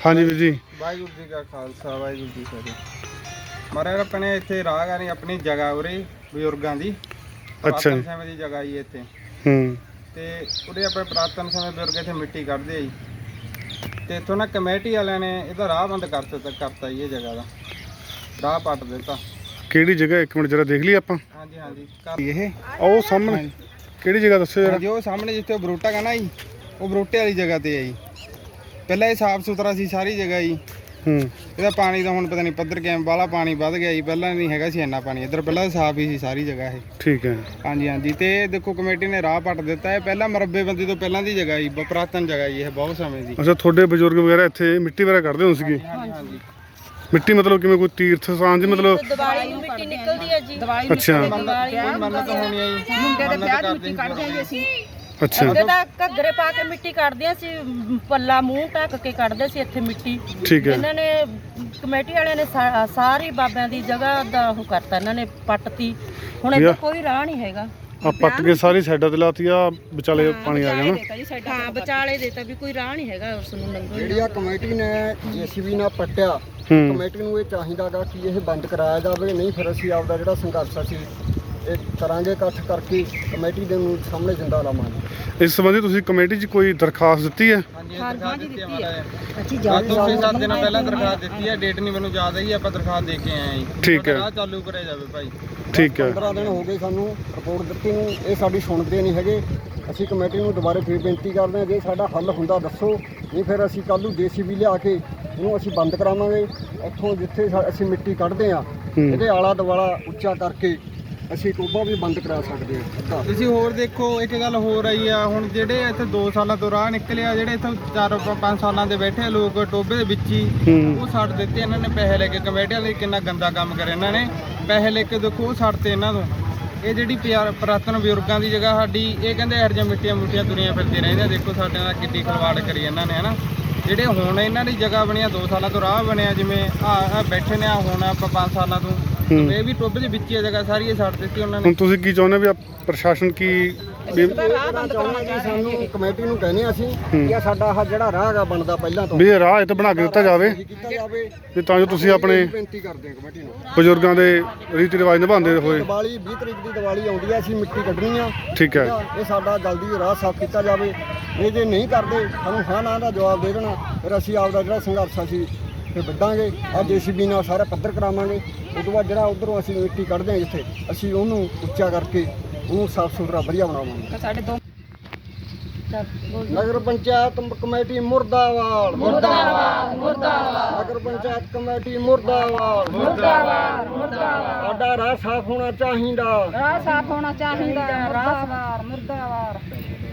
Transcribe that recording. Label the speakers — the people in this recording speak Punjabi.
Speaker 1: हाँ जी वीर जी।
Speaker 2: वाहिगुरू जी का खालसा वाहिगुरू जी की फतेह। महाराज अपने इत्थे राहगारी अपनी जगह उरे बजुर्गों की
Speaker 1: अच्छा
Speaker 2: पुरातन
Speaker 1: जी।
Speaker 2: समय की जगह ही इत्थे
Speaker 1: हम्म।
Speaker 2: ते उरे अपने पुरातन समय बजुर्ग इत्थे मिट्टी कढ़दे जी ते इत्थों ना कमेटी वालियां ने इहदा राह बंद करता जी, ये जगह का राह पट दिता।
Speaker 1: केड़ी जगह एक मिनट जरा देख ली आपां।
Speaker 2: हाँ जी हाँ जी ये
Speaker 1: ओ सामने केड़ी जगह दस्सो
Speaker 2: हाँ
Speaker 1: जरा।
Speaker 2: जी, वो सामने जिथे बरूटा का ना जी, वो बरूटे वाली जगह ते है जी। पहले ये साफ सुथरा सी सारी जगह जी। ਇਹਦਾ ਪਾਣੀ ਦਾ ਹੁਣ ਪਤਾ ਨਹੀਂ ਪੱਧਰ ਕਿਵੇਂ ਬਾਹਲਾ ਪਾਣੀ ਵੱਧ ਗਿਆ ਜੀ, ਪਹਿਲਾਂ ਨਹੀਂ ਹੈਗਾ ਸੀ ਇੰਨਾ ਪਾਣੀ ਇੱਧਰ, ਪਹਿਲਾਂ ਸਾਫ ਹੀ ਸੀ ਸਾਰੀ ਜਗ੍ਹਾ ਇਹ।
Speaker 1: ਠੀਕ ਹੈ।
Speaker 2: ਹਾਂਜੀ ਹਾਂਜੀ, ਤੇ ਇਹ ਦੇਖੋ ਕਮੇਟੀ ਨੇ ਰਾਹ ਪੱਟ ਦਿੱਤਾ। ਇਹ ਪਹਿਲਾਂ ਮਰੱਬੇਬੰਦੀ ਤੋਂ ਪਹਿਲਾਂ ਦੀ ਜਗ੍ਹਾ ਜੀ, ਪੁਰਾਤਨ ਜਗ੍ਹਾ ਜੀ, ਇਹ ਬਹੁਤ ਸਮੇਂ ਦੀ।
Speaker 1: ਅੱਛਾ, ਤੁਹਾਡੇ ਬਜ਼ੁਰਗ ਵਗੈਰਾ ਇੱਥੇ ਮਿੱਟੀ ਵਗੈਰਾ ਕੱਢਦੇ ਹੁੰਦੇ ਸੀਗੇ?
Speaker 2: ਹਾਂਜੀ ਹਾਂਜੀ।
Speaker 1: ਮਿੱਟੀ ਮਤਲਬ ਕਿਵੇਂ ਕੋਈ ਤੀਰਥ ਸਥਾਨ ਦੀ ਮਤਲਬ?
Speaker 3: ਦੀਵਾਲੀ ਨੂੰ ਮਿੱਟੀ ਨਿਕਲਦੀ ਹੈ ਜੀ।
Speaker 1: ਅੱਛਾ
Speaker 2: ਮੰਨਤ ਹੋਣੀ ਹੈ ਜੀ,
Speaker 4: ਮੁੰਡੇ ਦੇ ਵਿਆਹ ਦੀ ਮਿੱਟੀ ਕੱਢਦੇ ਆਂ ਅਸੀਂ।
Speaker 1: ਅੱਛਾ
Speaker 3: ਉਹਦੇ ਤਾਂ ਘੱਗਰੇ ਪਾ ਕੇ ਮਿੱਟੀ ਕੱਢਦੇ ਸੀ, ਪੱਲਾ ਮੂੰਹ ਢੱਕ ਕੇ ਕੱਢਦੇ ਸੀ ਇੱਥੇ ਮਿੱਟੀ।
Speaker 1: ਠੀਕ ਹੈ।
Speaker 3: ਇਹਨਾਂ ਨੇ ਕਮੇਟੀ ਵਾਲਿਆਂ ਨੇ ਸਾਰੀ ਬਾਬਿਆਂ ਦੀ ਜਗ੍ਹਾ ਦਾ ਉਹ ਕਰਤਾ, ਇਹਨਾਂ ਨੇ ਪੱਟਤੀ। ਹੁਣ ਇੱਥੇ ਕੋਈ ਰਾਹ ਨਹੀਂ ਹੈਗਾ।
Speaker 1: ਆ ਪੱਟ ਕੇ ਸਾਰੀ ਸਾਈਡਾਂ ਤੇ ਲਾਤੀ ਆ, ਵਿਚਾਲੇ ਪਾਣੀ ਆ ਗਿਆ ਨਾ।
Speaker 3: ਹਾਂ, ਵਿਚਾਲੇ ਦੇਤਾ ਵੀ ਕੋਈ ਰਾਹ ਨਹੀਂ ਹੈਗਾ ਉਸ ਨੂੰ ਲੰਘਣ
Speaker 4: ਜਿਹੜੀ ਆ ਕਮੇਟੀ ਨੇ ਜੀਸੀਬੀ ਨਾਲ ਪੱਟਿਆ,
Speaker 1: ਹੂੰ।
Speaker 4: ਕਮੇਟੀ ਨੂੰ ਇਹ ਚਾਹੀਦਾਗਾ ਕਿ ਇਹ ਬੰਦ ਕਰਾਇਆ ਜਾਵੇ, ਨਹੀਂ ਫਿਰ ਅਸੀਂ ਆਪਦਾ ਜਿਹੜਾ ਸੰਘਰਸ਼ ਅਸੀਂ ਇਹ ਕਰਾਂਗੇ ਇਕੱਠ ਕਰਕੇ ਕਮੇਟੀ ਦੇ ਨੂੰ ਸਾਹਮਣੇ ਜਿੰਦਾ ਲਾਵਾਂਗੇ।
Speaker 1: ਇਸ ਸੰਬੰਧੀ ਤੁਸੀਂ ਕਮੇਟੀ 'ਚ ਕੋਈ ਦਰਖਾਸਤ ਦਿੱਤੀ ਹੈ?
Speaker 2: ਹਾਂਜੀ ਦਰਖਾਸਤ ਦਿੱਤੀ ਹੈ ਮਹਾਰਾਜ।
Speaker 4: ਅਸੀਂ
Speaker 2: ਦੋ 6-7 ਦਿਨ ਪਹਿਲਾਂ ਦਰਖਾਸਤ ਦਿੱਤੀ ਹੈ, ਡੇਟ ਨਹੀਂ ਮੈਨੂੰ ਯਾਦ ਹੈ ਜੀ, ਆਪਾਂ ਦਰਖਾਸਤ ਦੇ ਕੇ ਆਏ ਹਾਂ ਜੀ।
Speaker 1: ਠੀਕ ਹੈ।
Speaker 2: ਰਾਹ ਚਾਲੂ ਕਰਿਆ ਜਾਵੇ ਭਾਈ।
Speaker 1: ਠੀਕ ਹੈ।
Speaker 4: 15 ਦਿਨ ਹੋ ਗਏ ਸਾਨੂੰ ਰਿਪੋਰਟ ਦਿੱਤੀ ਨੂੰ, ਇਹ ਸਾਡੀ ਸੁਣਦੇ ਨਹੀਂ ਹੈਗੇ। ਅਸੀਂ ਕਮੇਟੀ ਨੂੰ ਦੁਬਾਰੇ ਫੇਰ ਬੇਨਤੀ ਕਰਦੇ ਹਾਂ, ਜੇ ਸਾਡਾ ਹੱਲ ਹੁੰਦਾ ਦੱਸੋ, ਨਹੀਂ ਫਿਰ ਅਸੀਂ ਕੱਲ੍ਹ ਨੂੰ ਜੀਸੀਬੀ ਲਿਆ ਕੇ ਇਹਨੂੰ ਅਸੀਂ ਬੰਦ ਕਰਾਵਾਂਗੇ। ਇੱਥੋਂ ਜਿੱਥੇ ਅਸੀਂ ਮਿੱਟੀ ਕੱਢਦੇ ਹਾਂ ਇਹਦੇ ਆਲਾ ਦੁਆਲਾ ਉੱਚਾ ਕਰਕੇ ਅਸੀਂ ਟੋਭਾ ਵੀ ਬੰਦ ਕਰਾ ਸਕਦੇ ਹਾਂ।
Speaker 2: ਤੁਸੀਂ ਹੋਰ ਦੇਖੋ, ਇੱਕ ਗੱਲ ਹੋਰ ਆਈ ਆ, ਹੁਣ ਜਿਹੜੇ ਇੱਥੇ 2 ਸਾਲਾਂ ਤੋਂ ਰਾਹ ਨਿਕਲਿਆ, ਜਿਹੜੇ ਇੱਥੇ 4-5 ਸਾਲਾਂ ਦੇ ਬੈਠੇ ਲੋਕ ਟੋਭੇ ਦੇ ਵਿੱਚ ਹੀ, ਉਹ ਛੱਡ ਦਿੱਤੇ ਇਹਨਾਂ ਨੇ ਪੈਸੇ ਲੈ ਕੇ। ਕਮੇਟੀ ਵਾਲੇ ਕਿੰਨਾ ਗੰਦਾ ਕੰਮ ਕਰਿਆ ਇਹਨਾਂ ਨੇ, ਪੈਸੇ ਲੈ ਕੇ ਦੇਖੋ ਉਹ ਛੱਡਤੇ ਇਹਨਾਂ ਤੋਂ। ਇਹ ਜਿਹੜੀ ਪੁਰਾਤਨ ਬਜ਼ੁਰਗਾਂ ਦੀ ਜਗ੍ਹਾ ਸਾਡੀ, ਇਹ ਕਹਿੰਦੇ ਇਹੋ ਜਿਹੀਆਂ ਮਿੱਟੀਆਂ ਮੁੱਟੀਆਂ ਤੁਰੀਆਂ ਫਿਰਦੀਆਂ ਰਹਿੰਦੀਆਂ। ਦੇਖੋ ਸਾਡੇ ਨਾਲ ਕਿੱਡੀ ਖਲਵਾੜ ਕਰੀ ਇਹਨਾਂ ਨੇ, ਹਨਾ। ਜਿਹੜੇ ਹੁਣ ਇਹਨਾਂ ਦੀ ਜਗ੍ਹਾ ਬਣੀਆਂ 2 ਸਾਲਾਂ ਤੋਂ ਰਾਹ ਬਣਿਆ, ਜਿਵੇਂ ਆ ਬੈਠੇ ਨੇ, ਹੁਣ ਆਪਾਂ 5 ਸਾਲਾਂ ਤੋਂ, ਇਹ ਵੀ ਟੋਭੇ ਦੇ ਵਿੱਚ ਹੀ ਜਗ੍ਹਾ ਸਾਰੀ ਇਹ ਛੱਡ ਦਿੱਤੀ ਉਹਨਾਂ ਨੇ।
Speaker 1: ਹੁਣ ਤੁਸੀਂ ਕੀ ਚਾਹੁੰਦੇ ਵੀ ਪ੍ਰਸ਼ਾਸਨ ਕੀ
Speaker 4: ਸਾਨੂੰ ਕਮੇਟੀ ਨੂੰ ਕਹਿੰਦੇ ਅਸੀਂ ਕਿ ਸਾਡਾ ਆਹ ਜਿਹੜਾ ਰਾਹ ਹੈਗਾ ਬਣਦਾ ਪਹਿਲਾਂ ਤੋਂ
Speaker 1: ਵੀ ਇਹ ਰਾਹ ਇੱਥੇ ਬਣਾ ਕੇ ਦਿੱਤਾ ਜਾਵੇ,
Speaker 4: ਕੀਤਾ ਜਾਵੇ,
Speaker 1: ਵੀ ਤਾਂ ਜੋ ਤੁਸੀਂ ਆਪਣੇ
Speaker 4: ਬੇਨਤੀ ਕਰਦੇ ਹਾਂ ਕਮੇਟੀ ਨੂੰ।
Speaker 1: ਬਜ਼ੁਰਗਾਂ ਦੇ ਰੀਤੀ ਰਿਵਾਜ ਨਿਭਾਉਂਦੇ ਹੋਏ।
Speaker 4: ਦੀਵਾਲੀ 20 ਤਰੀਕ ਦੀ ਦੀਵਾਲੀ ਆਉਂਦੀ ਹੈ, ਅਸੀਂ ਮਿੱਟੀ ਕੱਢਣੀ ਆ।
Speaker 1: ਠੀਕ ਹੈ।
Speaker 4: ਇਹ ਸਾਡਾ ਜਲਦੀ ਰਾਹ ਸਾਫ਼ ਕੀਤਾ ਜਾਵੇ। ਇਹ ਜੇ ਨਹੀਂ ਕਰਦੇ ਸਾਨੂੰ ਹਾਂ ਨਾ ਦਾ ਜਵਾਬ ਦੇ ਦੇਣਾ, ਫਿਰ ਅਸੀਂ ਆਪਦਾ ਜਿਹੜਾ ਸੰਘਰਸ਼ ਅਸੀਂ ਫਿਰ ਵੱਢਾਂਗੇ। ਆ ਜੀਸੀਬੀ ਨਾਲ ਸਾਰਾ ਪੱਧਰ ਕਰਾਵਾਂਗੇ। ਉਸ ਤੋਂ ਬਾਅਦ ਜਿਹੜਾ ਉਧਰੋਂ ਅਸੀਂ ਮਿੱਟੀ ਕੱਢਦੇ ਹਾਂ ਜਿੱਥੇ, ਅਸੀਂ ਉਹਨੂੰ ਉੱਚਾ ਕਰਕੇ ਉਹਨੂੰ ਸਾਫ਼ ਸੁਥਰਾ ਵਧੀਆ ਬਣਾਵਾਂਗੇ।
Speaker 3: ਸਾਡੇ ਦੋ
Speaker 4: ਨਗਰ ਪੰਚਾਇਤ ਕਮੇਟੀ ਮੁਰਦਾਬਾਦ, ਮੁਰਦਾਬਾਦ, ਮੁਰਦਾਬਾਦ। ਨਗਰ ਪੰਚਾਇਤ ਕਮੇਟੀ ਮੁਰਦਾਬਾਦ, ਮੁਰਦਾਬਾਦ, ਮੁਰਦਾਬਾਦ। ਸਾਡਾ ਰਾਹ ਸਾਫ਼ ਹੋਣਾ ਚਾਹੀਦਾ,
Speaker 3: ਰਾਹ ਸਾਫ਼ ਹੋਣਾ ਚਾਹੀਦਾ। ਮੁਰਦਾਬਾਦ, ਮੁਰਦਾਬਾਦ।